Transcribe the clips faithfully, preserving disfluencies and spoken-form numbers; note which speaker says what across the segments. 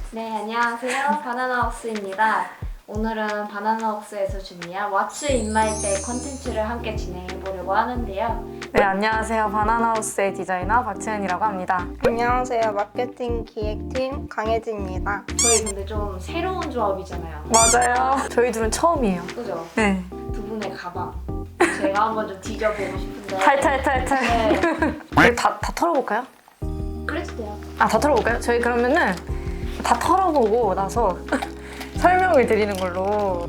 Speaker 1: 네, 안녕하세요. 바나나웍스입니다. 오늘은 바나나웍스에서 준비한 What's in my bag 콘텐츠를 함께 진행해 보려고 하는데요.
Speaker 2: 네, 안녕하세요. 바나나하우스의 디자이너 박채은이라고 합니다.
Speaker 3: 안녕하세요. 마케팅 기획팀 강혜진입니다.
Speaker 1: 저희 근데 좀 새로운 조합이잖아요.
Speaker 2: 맞아요. 저희 둘은 처음이에요.
Speaker 1: 그죠?
Speaker 2: 네.
Speaker 1: 두 분의 가방. 제가 한번 좀 뒤져보고 싶은데.
Speaker 2: 탈탈탈탈.
Speaker 1: 네,
Speaker 2: 우리 다, 다 털어볼까요?
Speaker 1: 그래도 돼요.
Speaker 2: 아, 다 털어볼까요? 저희 그러면은 다 털어보고 나서 설명을 드리는 걸로.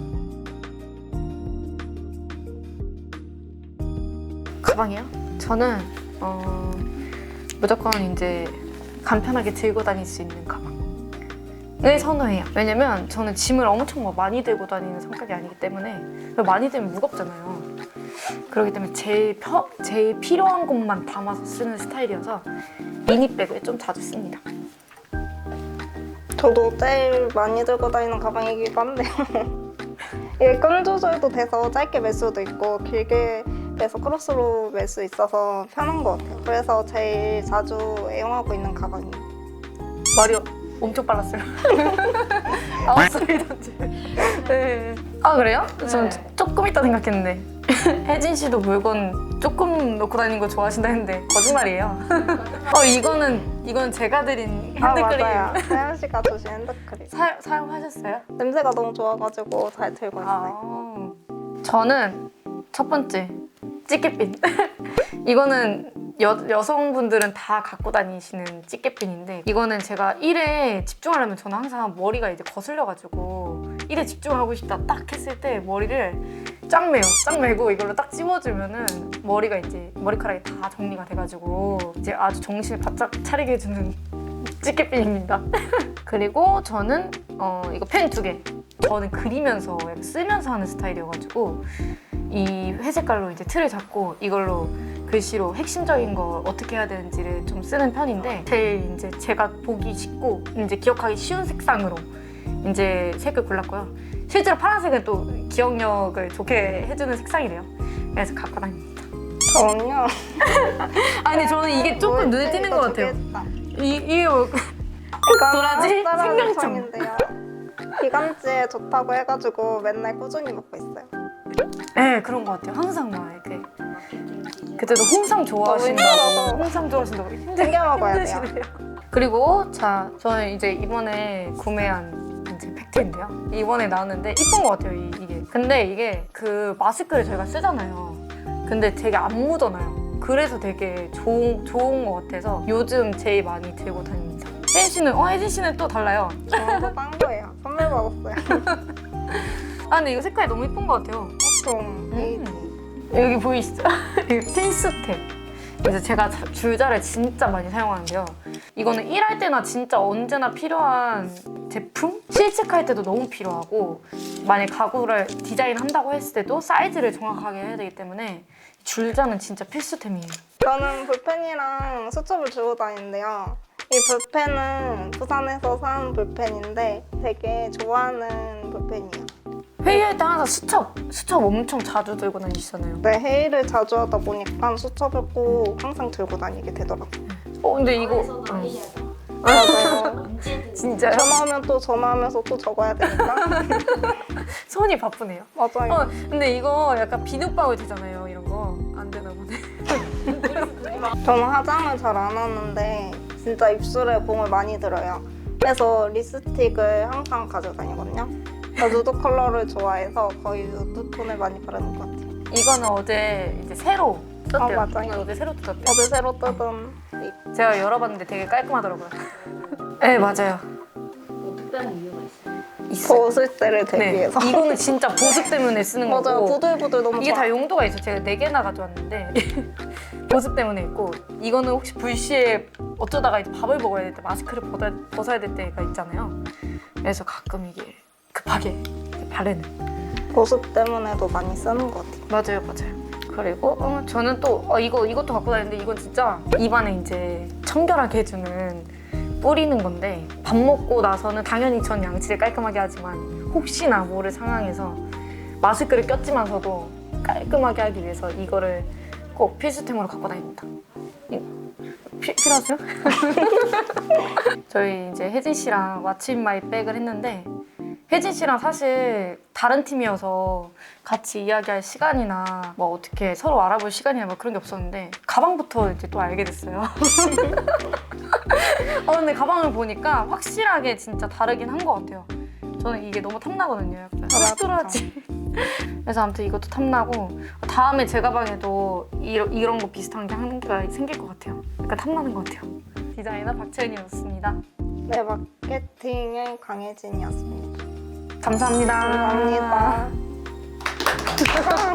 Speaker 2: 가방이요? 저는 어, 무조건 이제 간편하게 들고 다닐 수 있는 가방을 선호해요. 왜냐면 저는 짐을 엄청 막 많이 들고 다니는 성격이 아니기 때문에 많이 들면 무겁잖아요. 그렇기 때문에 제일, 펴, 제일 필요한 것만 담아서 쓰는 스타일이어서 미니백을 좀 자주 씁니다.
Speaker 3: 저도 제일 많이 들고 다니는 가방이기도 한데요. 이게 끈 조절도 돼서 짧게 멜 수도 있고 길게 매서 크로스로 멜 수 있어서 편한 것 같아요. 그래서 제일 자주 애용하고 있는 가방이에요.
Speaker 2: 말이 엄청 빨랐어요. 아홉 살이던지. 네. 아, 그래요? 전
Speaker 1: 네.
Speaker 2: 조금 있다 생각했는데. 혜진 씨도 물건 조금 넣고 다니는 거 좋아하신다 했는데 거짓말이에요. 어, 이거는 이건 제가 드린
Speaker 3: 아
Speaker 2: 핸드크림.
Speaker 3: 맞아요. 사연 씨가 주신 핸드크림.
Speaker 2: 사, 사용하셨어요?
Speaker 3: 냄새가 너무 좋아가지고 잘 들고 있어요.
Speaker 2: 아, 저는 첫 번째 찌개핀. 이거는 여, 여성분들은 다 갖고 다니시는 찌개핀인데, 이거는 제가 일에 집중하려면 저는 항상 머리가 이제 거슬려가지고 일에 집중하고 싶다 딱 했을 때 머리를 쫙 매요. 쫙 매고 이걸로 딱 찝어주면은 머리가 이제 머리카락이 다 정리가 돼가지고 이제 아주 정신을 바짝 차리게 해주는 찌개핀입니다. 그리고 저는 어, 이거 펜 두 개. 저는 그리면서 약간 쓰면서 하는 스타일이어가지고 이 회색깔로 이제 틀을 잡고 이걸로 글씨로 핵심적인 거 어떻게 해야 되는지를 좀 쓰는 편인데, 제일 이제 제가 보기 쉽고 이제 기억하기 쉬운 색상으로 이제 색을 골랐고요. 실제로 파란색은 또 기억력을 좋게 해주는 색상이래요. 그래서 갖고 다닙니다.
Speaker 3: 저는요.
Speaker 2: 아니 저는 이게 조금 눈에 띄는 것 같아요. 이, 이게 뭐 도라지? 생강청.
Speaker 3: 생강청인데요. 기관지에 좋다고 해가지고 맨날 꾸준히 먹고 있어요.
Speaker 2: 네, 그런 것 같아요. 항상 막 이렇게.
Speaker 1: 마케팅 디자인.
Speaker 2: 그때도 홍삼 좋아하신다고.
Speaker 3: 힘들어서.
Speaker 2: 홍삼 좋아하신다고. 힘들,
Speaker 3: 챙겨 먹어야 돼요.
Speaker 2: 힘드시네요. 그리고 자, 저는 이제 이번에 구매한 이제 팩트인데요. 이번에 나왔는데 이쁜 것 같아요, 이, 이게. 근데 이게 그 마스크를 저희가 쓰잖아요. 근데 되게 안 묻어나요. 그래서 되게 좋은, 좋은 것 같아서 요즘 제일 많이 들고 다닙니다. 혜진 씨는, 어, 혜진 씨는 또 달라요.
Speaker 3: 저도 딴 거예요. 선물 받았어요.
Speaker 2: 아, 근데 이거 색깔이 너무 이쁜 것 같아요.
Speaker 3: 좀 베이지.
Speaker 2: 여기 보이시죠? 이거 필수템. 그래서 제가 자- 줄자를 진짜 많이 사용하는데요. 이거는 일할 때나 진짜 언제나 필요한 제품? 실측할 때도 너무 필요하고, 만약 가구를 디자인한다고 했을 때도 사이즈를 정확하게 해야 되기 때문에 줄자는 진짜 필수템이에요.
Speaker 3: 저는 볼펜이랑 수첩을 들고 다니는데요. 이 볼펜은 부산에서 산 볼펜인데 되게 좋아하는 볼펜이에요.
Speaker 2: 회의할 때 항상 수첩, 수첩 엄청 자주 들고 다니시잖아요.
Speaker 3: 네, 회의를 자주 하다 보니까 수첩을 꼭 항상 들고 다니게 되더라고요.
Speaker 2: 어, 근데 이거
Speaker 1: 이거
Speaker 2: 응.
Speaker 1: 회의하다.
Speaker 3: 맞아요.
Speaker 1: 언제든.
Speaker 2: 진짜요?
Speaker 3: 전화하면 또 전화하면서 또 적어야 되니까.
Speaker 2: 손이 바쁘네요.
Speaker 3: 맞아요.
Speaker 2: 어, 근데 이거 약간 비눗방울 되잖아요. 이런 거 안 되나 보네.
Speaker 3: 저는 화장을 잘 안 하는데 진짜 입술에 공을 많이 들어요. 그래서 립스틱을 항상 가지고 다니거든요. 저 누드 컬러를 좋아해서 거의 누드 톤을 많이 바르는 것 같아요.
Speaker 2: 이거는 어제 이제 새로 떴대요.
Speaker 3: 어, 맞아요.
Speaker 2: 이건 어제 새로 떴대요.
Speaker 3: 어제 새로 뜯은 립.
Speaker 2: 제가 열어봤는데 되게 깔끔하더라고요. 네, 맞아요.
Speaker 1: 뭐 특별한 이유가 있어요?
Speaker 2: 있어요.
Speaker 3: 벗을 때를
Speaker 2: 네,
Speaker 3: 대비해서.
Speaker 2: 이거는 진짜 보습 때문에 쓰는
Speaker 3: 맞아요.
Speaker 2: 거고,
Speaker 3: 부들부들 너무
Speaker 2: 이게
Speaker 3: 좋아.
Speaker 2: 다 용도가 있어요. 제가 네 개나 가져왔는데 보습 때문에 있고, 이거는 혹시 불시에 어쩌다가 이제 밥을 먹어야 될 때 마스크를 벗어, 벗어야 될 때가 있잖아요. 그래서 가끔 이게 급하게 바르는.
Speaker 3: 보습 때문에도 많이 쓰는 것 같아요.
Speaker 2: 맞아요, 맞아요. 그리고 어, 저는 또 어, 이거 이것도 갖고 다니는데, 이건 진짜 입안에 이제 청결하게 해주는 뿌리는 건데, 밥 먹고 나서는 당연히 전 양치를 깔끔하게 하지만 혹시나 모를 상황에서 마스크를 꼈지만서도 깔끔하게 하기 위해서 이거를 꼭 필수템으로 갖고 다닙니다. 이- 피, 필요하세요? 저희 이제 혜진 씨랑 왓츠 인 마이 백을 했는데 혜진 씨랑 사실 다른 팀이어서 같이 이야기할 시간이나 뭐 어떻게 서로 알아볼 시간이나 뭐 그런 게 없었는데 가방부터 이제 또 알게 됐어요. 어, 근데 가방을 보니까 확실하게 진짜 다르긴 한 것 같아요. 저는 이게 너무 탐나거든요. 약간 흡돌하지. 그래서 아무튼 이것도 탐나고 다음에 제 가방에도 이런, 이런 거 비슷한 게 한 개가 생길 것 같아요. 약간 탐나는 것 같아요. 디자이너 박채은이었습니다.
Speaker 3: 네, 마케팅의 강혜진이었습니다.
Speaker 2: 감사합니다.
Speaker 3: 감사합니다.